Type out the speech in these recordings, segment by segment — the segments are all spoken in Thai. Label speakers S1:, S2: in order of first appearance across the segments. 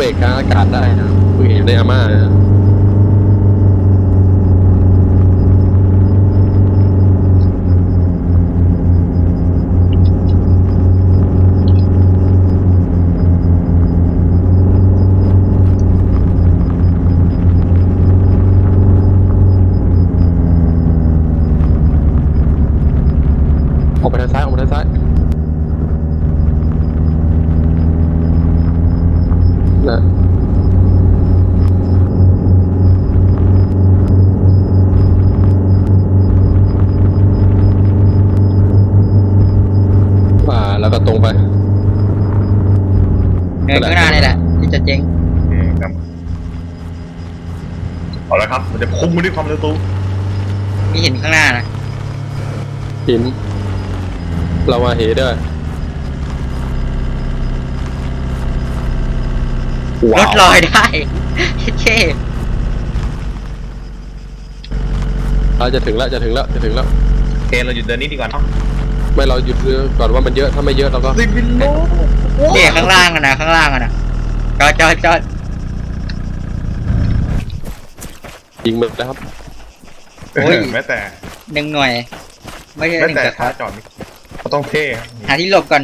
S1: เบรกกลางอากาศได้นะเพิ่งเห็นในอาม่านะออกไปทางซ้ายออกไปทางซ้ายนะแล้วก็ตรงไป
S2: เดินข้างหน้านี่แหละที่จะเจ๊ง
S3: ครับเอาละครับมันจะพุ่งไปด้วยความเร็วสูง
S2: มีเห็นข้างหน้านะ
S1: หินเรามาเหด้วย
S2: รถลอยได้เช่
S1: เราจะถึงแล้วจะถึงแล้วจะถึงแล้ว
S3: โอเคเราหยุดเดินนี้ดีกว่าเนาะ
S1: ไม่เราหยุดก่อนว่ามันเยอะถ้าไม่เยอะเราก็
S3: ซิบิโล
S2: เนี่ยข้างล่างอะนะข้างล่างอะนะจอด
S1: ยิงมันแล้วครับ
S3: โอ้ยแม้แต่
S2: 1 หน่วยไม่ใช่1
S3: แต่ขาจอดเขาต้องเท่
S2: หาที่หลบก่อน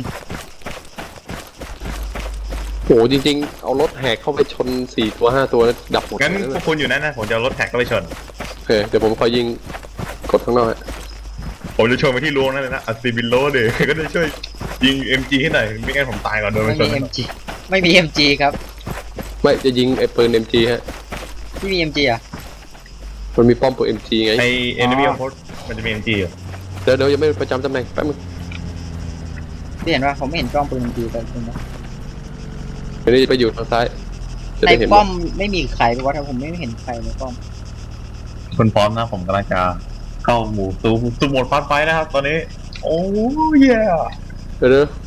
S1: โหจริงๆเอารถแหกเข้าไปชน4 ตัว5 ตัวแล้วดับหมด
S3: งั้นพวกคุณอยู่นั่นนะผมจะเอารถแท็กเข้าไปชน
S1: โอเคเดี๋ยวผมคอยยิงกดข้างนอก
S3: ผมจะชนไปที่ล้วงนั่นเลยนะอัซิบิโลเดี๋ยวก็จะช่วยยิง MG ให้หน่อยไม่งั้นผมตายก่อนโดนชน
S2: ไม่มี MG ครับ
S1: ไม่จะยิงไอ้ปืน MG ฮะ
S2: ที่มี MG อ่ะ
S1: มันมีป้อมปืน MG ไง
S3: ไอ้ enemy outpost มันจะมี MG อยู่
S1: เดี๋ยวยังไม่ประจำตำแหน่งแป๊บนึง
S2: ที่เห็นว่าผมไม่เห็นกล้องปืน MG แต่คุณนะ
S1: อันนี้ไปอยู่ทางซ้าย
S2: ในป้อมไม่มีใครเพราะว่าผมไม่เห็นใครในป้อม
S3: คุณพร้อมนะผมกำลังจะเข้าหมู่สู่โหมดฟาสต์ไฟท์นะครับตอนนี้โอ้ย
S1: เดี๋ยว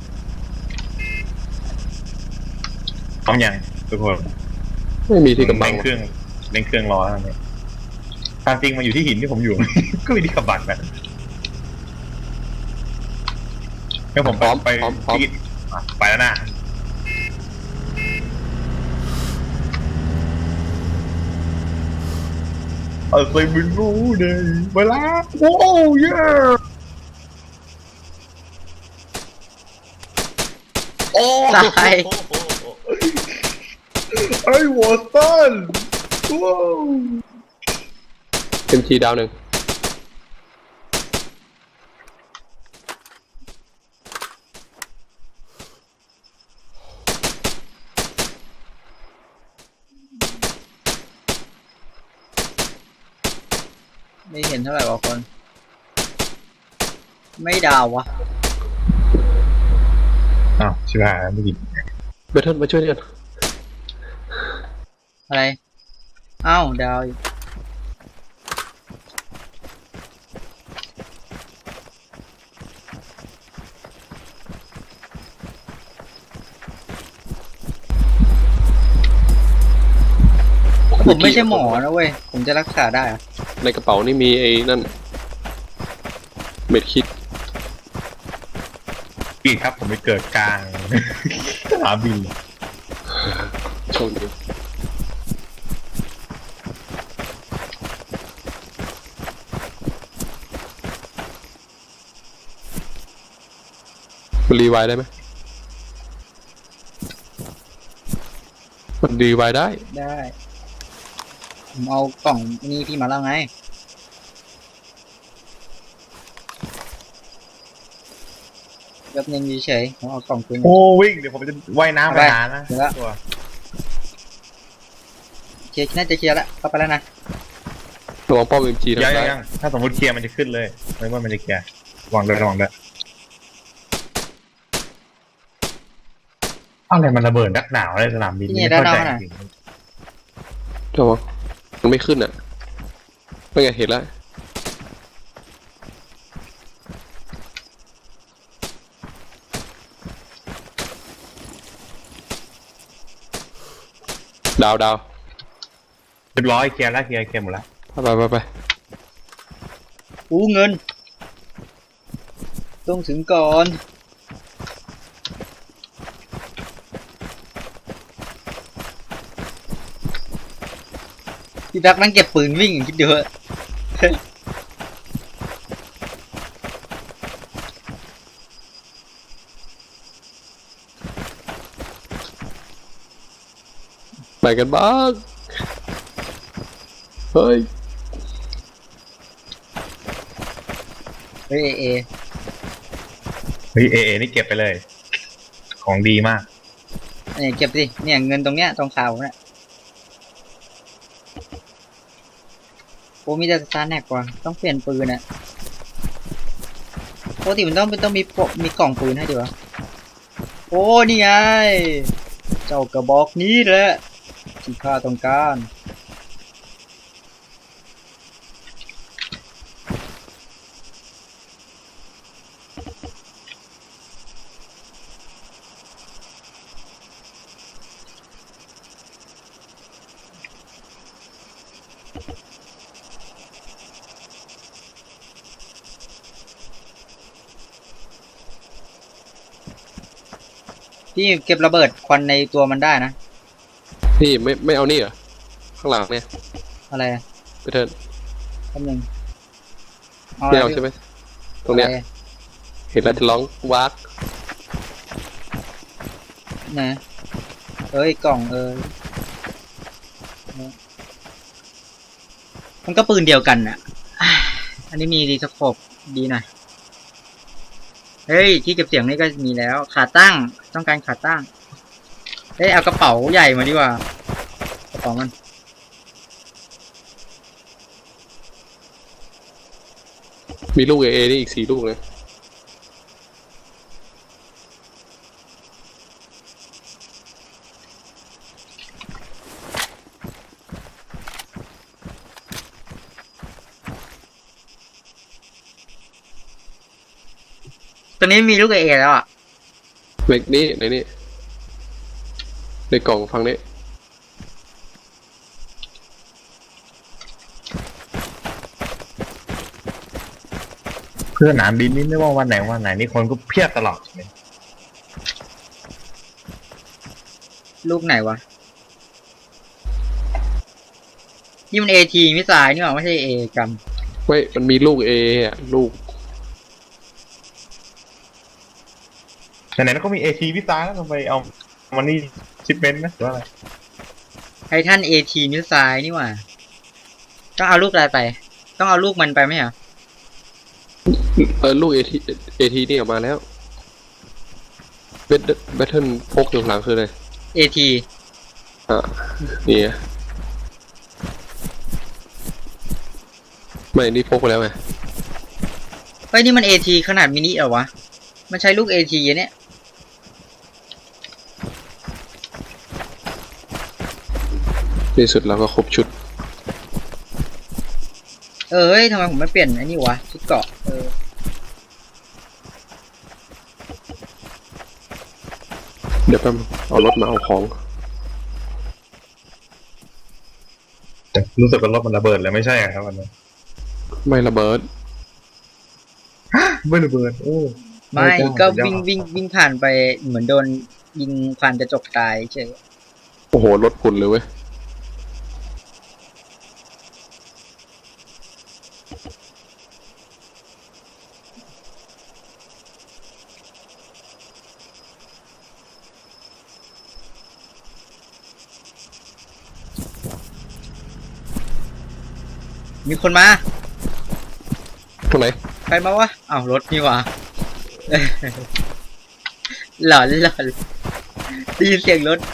S3: พร้อมยังทุกคน
S1: ไม่มีที่กำบัง
S3: เร่งเครื่องรอแล้วเนี่ยทางจริงมาอยู่ที่หินที่ผมอยู่ ก็มีที่กำบังนะงั้นผมไปที่ไปแล้วนะเอาไปบินรู้เลยไปแล้วโอ้ยโอ้
S2: ตาย
S3: ไอ้วอสตันว้าว
S1: MG ดาว1
S2: ไม่เห็นเท่าไหร่วะคนไม่ดาววะ
S3: อ้าวชิบหายไม่กิน
S1: เบทเทิลมาช่วยกัน
S2: อะไรอ้าวดาวผมไม่ใช่หมอนะเว้ยผมจะรักษาได้อะ
S1: ในกระเป๋านี่มีไอ้นั่นเม็ดคิด
S3: พี่ครับผมไปเกิดกลางสนามบิน
S1: โชคดีมันรีไวได้ไหมมันรีไวได้
S2: ผมเอากล่องนี้พี่มาแล้วไงแบบนึงเฉยผมเอากล่องปืน
S3: โอ้วิ่งเดี๋ยวผมจะว่ายน้ำไปหานะ
S2: ตัวเคลียร์น่าจะเคลียร์แล้วเข้าไปแล้วนะ
S1: ระวังป้อม MG นะ
S3: ยังถ้าสมมติเคลียร์มันจะขึ้นเลยไม่ว่ามันจะเคลียร์ระวังด้วยอะไรมันระเบิดนักหนาวในสนามบิน
S2: นี่ด้านนอกนะ
S1: ระวังมันไม่ขึ้นอ่ะไม่ไงเห็นแล้วดาว
S3: เรียบร้อยเคลียร์หมดแล้ว
S1: ไป
S2: เงินต้องถึงก่อนพี่แบ็คนั่งเก็บปืนวิ่งคิดดูเถอะ
S1: ไปกันบ้างเฮ้ย
S2: เฮ้ยเอ
S3: เฮ้ยเอนี่เก็บไปเลย ของดีมาก
S2: เนี่ยเก็บสิเนี่ยเงินตรงเนี้ยตรงข่าวเนี่ยโอ้มีแต่สตาร์แน็กกว่าต้องเปลี่ยนปืนอะปกติมันต้องมีกล่องปืนให้ดีวะโอ้นี่ไงเจ้ากระบอกนี้แหละที่ข้าต้องการ พี่เก็บระเบิดควันในตัวมันได้นะ
S1: พี่ไม่เอานี่เหรอข้างหลังเนี่ย
S2: อะไรอะ
S1: ไปเถิน
S2: แป๊บนึง
S1: ไม่เอาใช่ไหมตรงเนี้ย
S2: อะไร
S1: เห็นแล้วจะร้องวัก
S2: นะเอ้ยกล่องมันก็ปืนเดียวกันอ่ะอ่ะอันนี้มีรีสโคปดีหน่อยเฮ้ยที่เก็บเสียงนี่ก็มีแล้วขาตั้งต้องการขาตั้งเฮ้ยเอากระเป๋าใหญ่มาดีกว่ากระเป๋ามัน
S1: มีลูกเอนี่อีก4 ลูกเลย
S2: ตอนนี้มีลูกเอแล้วอ่ะ
S1: ในนี้ในกล่องฟังนี้
S3: เพื่อนสนามบินนี่ไม่ว่าวันไหนนี่คนก็เพียบตลอดเลย
S2: ลูกไหนวะนี่มันเอทีไม่สายนี่หว่าไม่ใช่เอกัน
S1: ไม่มันมีลูกเออะลูก
S3: ไหนๆก็มีเอทีพิซซ่าแล้วเราไปเอามันนี่ชิปเมนต์นะหรือว่าอะไร
S2: ไททันเอทีมิสไซล์นี่หว่าต้องเอาลูกอะไรไป ต้องเอาลูกมันไปไหมเหรอ
S1: ลูกเอทีนี่ออกมาแล้วแบทเทิลพกอยู่ข้างหลังคืออะไร
S2: เอที
S1: อ่ะนี่ไงไม่นี่พกไปแล้วไง
S2: เฮ้ยนี่มันเอทีขนาดมินิเหรอวะ มันใช้ลูกเอทีเนี่ย
S1: ในสุดเราก็ครบชุด
S2: เฮ้ยทำไมผมไม่เปลี่ยนไอ้นี่วะชุดเกราะ
S1: เดี๋ยวแป๊บเอารถมาเอาของ
S3: แต่รู้สึกว่ารถมันระเบิดเลยไม่ใช่ครับวันนี้
S1: ไม่ระเบิด
S3: ไม่ระเบิดโอ้
S2: ไม่ก็วิ่งผ่านไปเหมือนโดนยิงผ่านกระจกตายเฉย
S1: โอ้โหรถพุ่นเลยเว้ย
S2: มีคนมา
S1: ตรงไหน
S2: ใครมาวะอ้าวรถนี่หว่า หลอนได้ยินเสียงรถ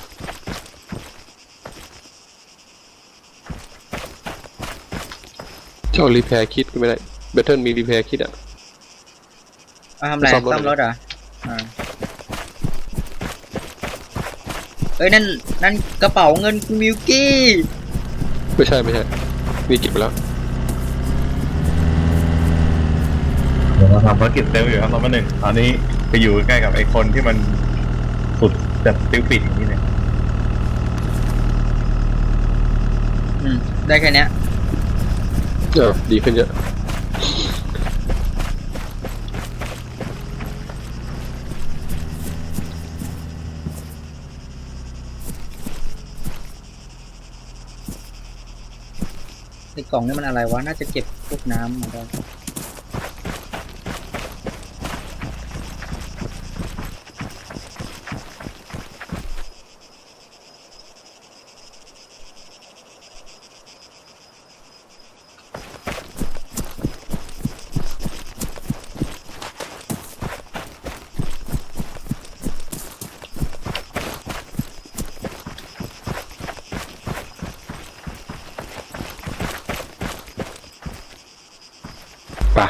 S1: เจ้ารีแพร์คิดก็ไม่ได้แบทเทิลมีรีแพร์คิดอ่ะ
S2: เอาทำไร
S1: ซ่อมรถ
S2: ซ่อมรถเหรอเอ้ยนั่นกระเป๋าเงินคุณมิวกี้
S1: ไม่ใช่นี่เก็บไปแล้ว
S3: เดี๋ยวเราทำภารกิจเซลล์อยู่ครับเรามาหนึ่งตอนนี้ไปอยู่ใกล้กับไอ้คนที่มันสุดแบบติ้วปิดอย่างนี้เลย
S2: ได้แค่เนี้ย
S1: ดีขึ้นเยอะ
S2: กล่องนี่มันอะไรวะน่าจะเก็บพวกน้ำมาได้
S1: ป่ะ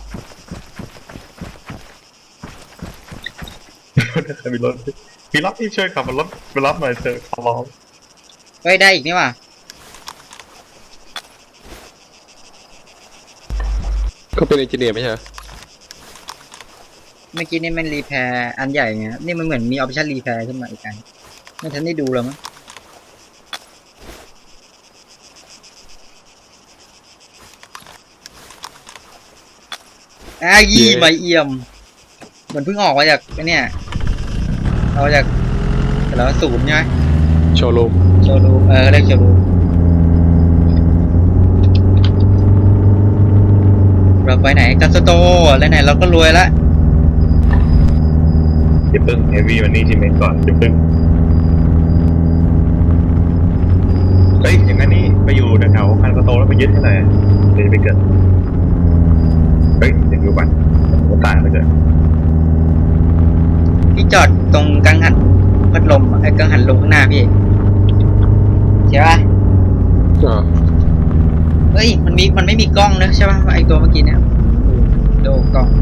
S3: จะมีรถมีรถที่ช่วยขับมันรถไปรับหน่อยเถอะขอร้อง
S2: เฮ้ยได้อีกนี่ว่ะ
S1: เขาเป็นเอนจิเนียร์ไม่ใช่เหรอ
S2: เมื่อกี้นี่มันรีแพร์อันใหญ่ไงนี่มันเหมือนมีออปชั่นรีแพร์ขึ้นมาอีกอันไม่ทันได้ดูแล้วมั้งยี่ใบเอี่ยมเหมือนเพิ่งออกมาจากไอ้เนี่ยเอาจากแล้วศูนย์ใช่ไหม
S1: โชว์รูม
S2: โชว์รูมเรียกโชว์รูมเราไปไหนกันสโตแล้วไหนเราก็รวยละ
S3: อย่าเพิ่งเฮฟวี่มันนี่ทีเมนก่อนอย่าเพิ่งเฮ้ยอย่างนั้นนี่ไปอยู่แถวๆคันโตแล้วไปยึดให้หน่อยเดี๋ยวจะไปเกิดเฮ้ยเดี๋ยวดูก่อนผมตายไปเกิด
S2: พี่จอดตรงกังหันพัดลมกังหันลมข้างหน้าพี่ใช่ปะ
S1: อ่า
S2: เฮ้ยมันไม่มีกล้องนะใช่ปะไอตัวเมื่อกี้เนี่ยดูกล้อง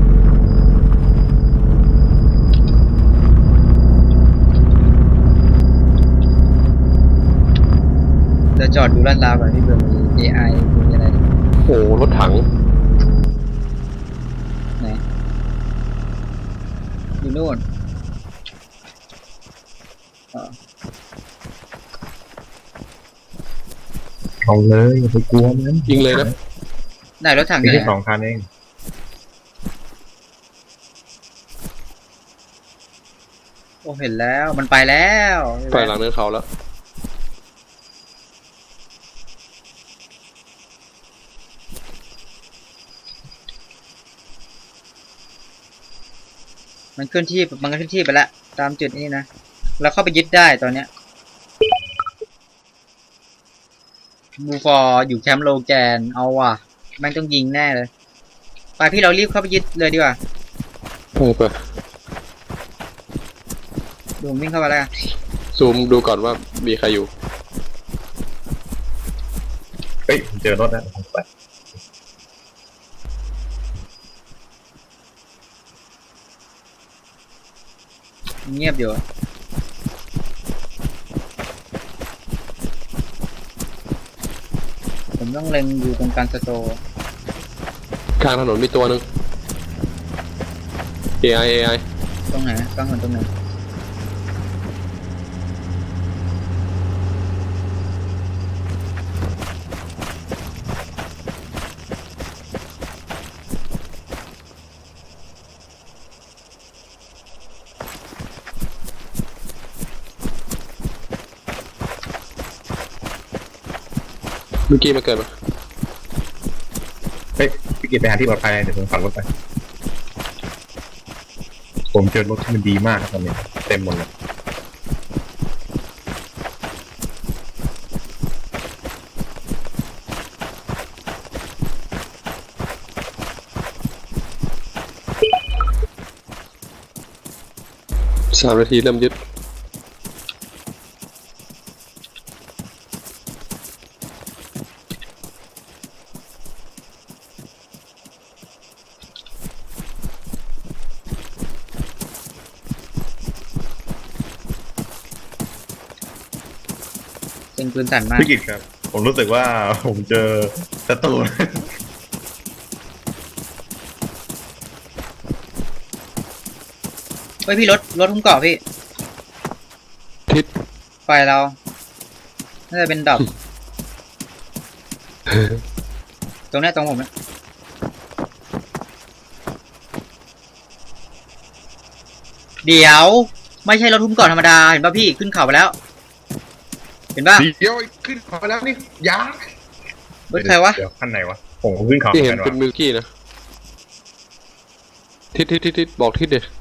S2: จะจอดดูลาดราวก่อนพี่เบื่อมี AI มีอะไร
S1: โอ้รถถัง
S2: ไหนอยู่นู่นอ๋อ
S3: เอาเลยอย่าไปกลัวมัน
S1: ยิงเลยนะ
S2: ไหนรถถังอ
S3: มี
S2: ยู่ไหน
S3: แค่2 คันเอง
S2: โอ้เห็นแล้วมันไปแล้ว
S1: ไปหลังเนินเขาแล้ว
S2: มันเคลื่อนที่ไปแล้วตามจุดนี้นะเราเข้าไปยึดได้ตอนเนี้ยบูฟอร์อยู่แคมป์โลแกนเอาว่ะแม่งต้องยิงแน่เลยไปพี่เรารีบเข้าไปยึดเลยดีกว่า
S1: ไป
S2: ดูผมวิ่งเข้ามาแล้วกัน
S1: ซูมดูก่อนว่ามีใครอยู่
S3: เฮ้ยเจอรถแล้วไป
S2: เงียบอยู่ผมต้องเล็งอยู่ตรงกลางสโตร์
S1: ข้างถนนมีตัวหนึ่ง AI
S2: ตรงไหนกลางถนนตรงไหน
S1: เมื่อกี้มาเกิดมา
S3: เฮ้ยพี่กิตไปหาที่ปลอดภัยเดี๋ยวผมขับรถไปผมเจอรถที่มันดีมากตอนนี้เต็มหมดเลย
S1: 3 นาทีเริ่มยึด
S2: เป็นปืนสั่นมาก
S3: พี่กิตครับ ผมรู้สึกว่าผมเจอศัตรู
S2: เฮ้ยพี่รถหุ้มเกาะพี่
S1: ทิศ
S2: ไฟเราน่าจะเป็นดอก ตรงเนี้ยตรงผมนะเดี๋ยวไม่ใช่รถหุ้มเกาะธรรมดาเห็นป่ะพี่ขึ้นเขาไปแล้ว เห็นป่ะ
S3: เดี๋ยวขึ้นขอแล้วนี่ยา
S2: รถใครวะ
S3: เดี๋ยวขั้นไหนวะผมขึ้นเขา
S1: ที่เห็น
S3: กัน
S1: เป็น
S3: วะ
S1: มิลกี้นะทิศบอกทิศเด็ด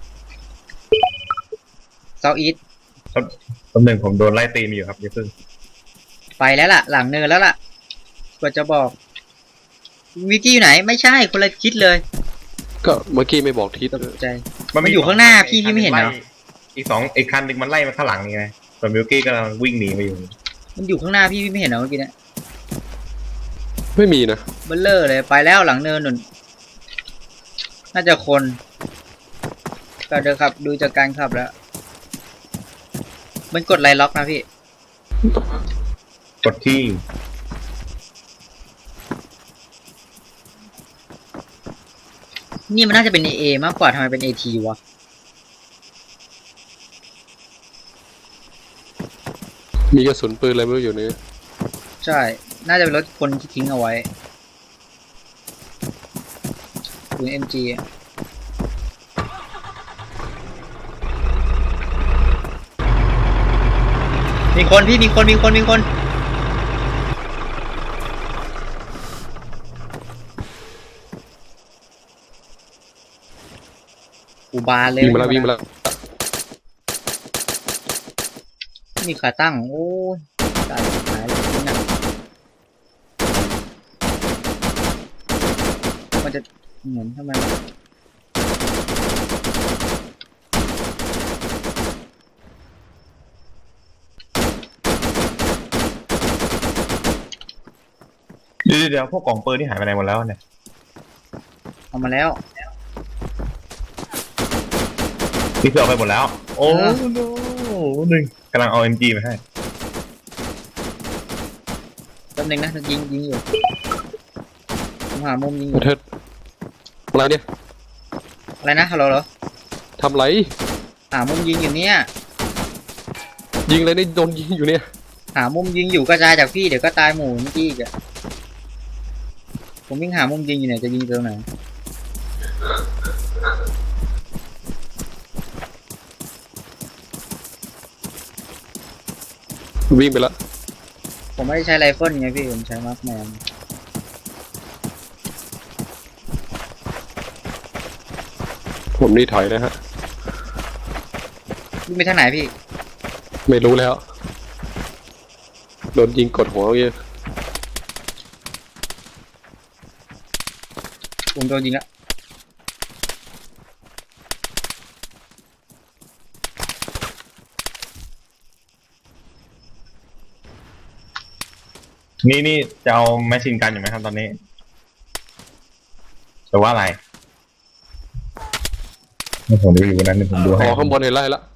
S2: เซาอีท
S3: ตำแหน่งผมโดนไล่ตีมาอยู่ครับอย่าเพิ่ง
S2: ไปแล้วล่ะ หลังเนินแล้วล่ะกว่าจะบอกวิกกี้อยู่ไหน ไม่ใช่คนละคิดเลย
S1: ก็เมื่อกี้ไม่บอกทิศ
S2: ตกใจ มันอยู่ข้างหน้าพี่ไม่เห็นเหรอ
S3: อีกคันหนึ่งมันไล่มาข้างหลังนี่ไงส่วนมิลกี้กำลังวิ่งหนีมาอยู่
S2: มันอยู่ข้างหน้าพี่ไม่เห็นเหรอเมื่อกี้เนี่ย
S1: ไม่มีนะ
S2: เบลเลอร์เลยไปแล้วหลังเนินนุ่นน่าจะคนก็เดินขับดูจากการขับแล้ว มันกดไลล็อกนะพี่
S3: กดที่
S2: นี่มันน่าจะเป็น AA มากกว่าทำไมเป็น AT วะ
S1: มีกระสุนปืนอะไรไม่รู้อยู่นี่
S2: ใช่ น่าจะเป็นรถคนที่ทิ้งเอาไว้ปืน MG อะมีคนพี่มีคนอุบาเลย
S1: วิ่งมาแล้ว
S2: มีขาตั้ง โอ้ยตายหายเลยนี่นะมันจะเหมือนทำไมวะ
S3: เดี๋ยวพวกกล่องปืนที่หายไปไหนหมดแล้วเนี่ย
S2: เอามาแล้ว
S3: นี่คือเอาไปหมดแล้ว โอ้
S2: เออ
S3: โหนึ่งกำลังเอา MG มาให้
S2: แป๊บนึงนะยิงอยู่ผมหามุมยิงอ
S1: ป
S2: ยู่
S1: ระเทศอะไรเนี่ย
S2: อะไรนะฮัลโหลเหรอ
S1: ทำไร
S2: หามุมยิงอยู่เนี่ย
S1: ยิงเลยนี่โดนยิงอยู่เนี่ย
S2: หามุมยิงอยู่กระจายจากพี่เดี๋ยวก็ตายหมู่เมื่อกี้อีกอะผมวิ่งหามุมยิงอยู่เนี่ยจะยิงตรงไหน
S1: วิ่งไปแล้ว
S2: ผมไม่ได้ใช้ไรเฟิลไงพี่ผมใช้มาร์คแมน
S1: ผมนี่ถอยนะฮะ
S2: วิ่งไปทางไหนพี่
S1: ไม่รู้แล้ว โดนยิงกดหัวเมื่อกี้
S2: ผมโดนยิงละ
S3: นี่จะเอาแมชชีนกันอยู่ไหมครับตอนนี้แต่ว่าอะไรผมดูอยู่วันนั้นเดี๋ยวผมดู
S1: อ๋
S3: ให้
S1: อข้างบนเห็นไล่ละ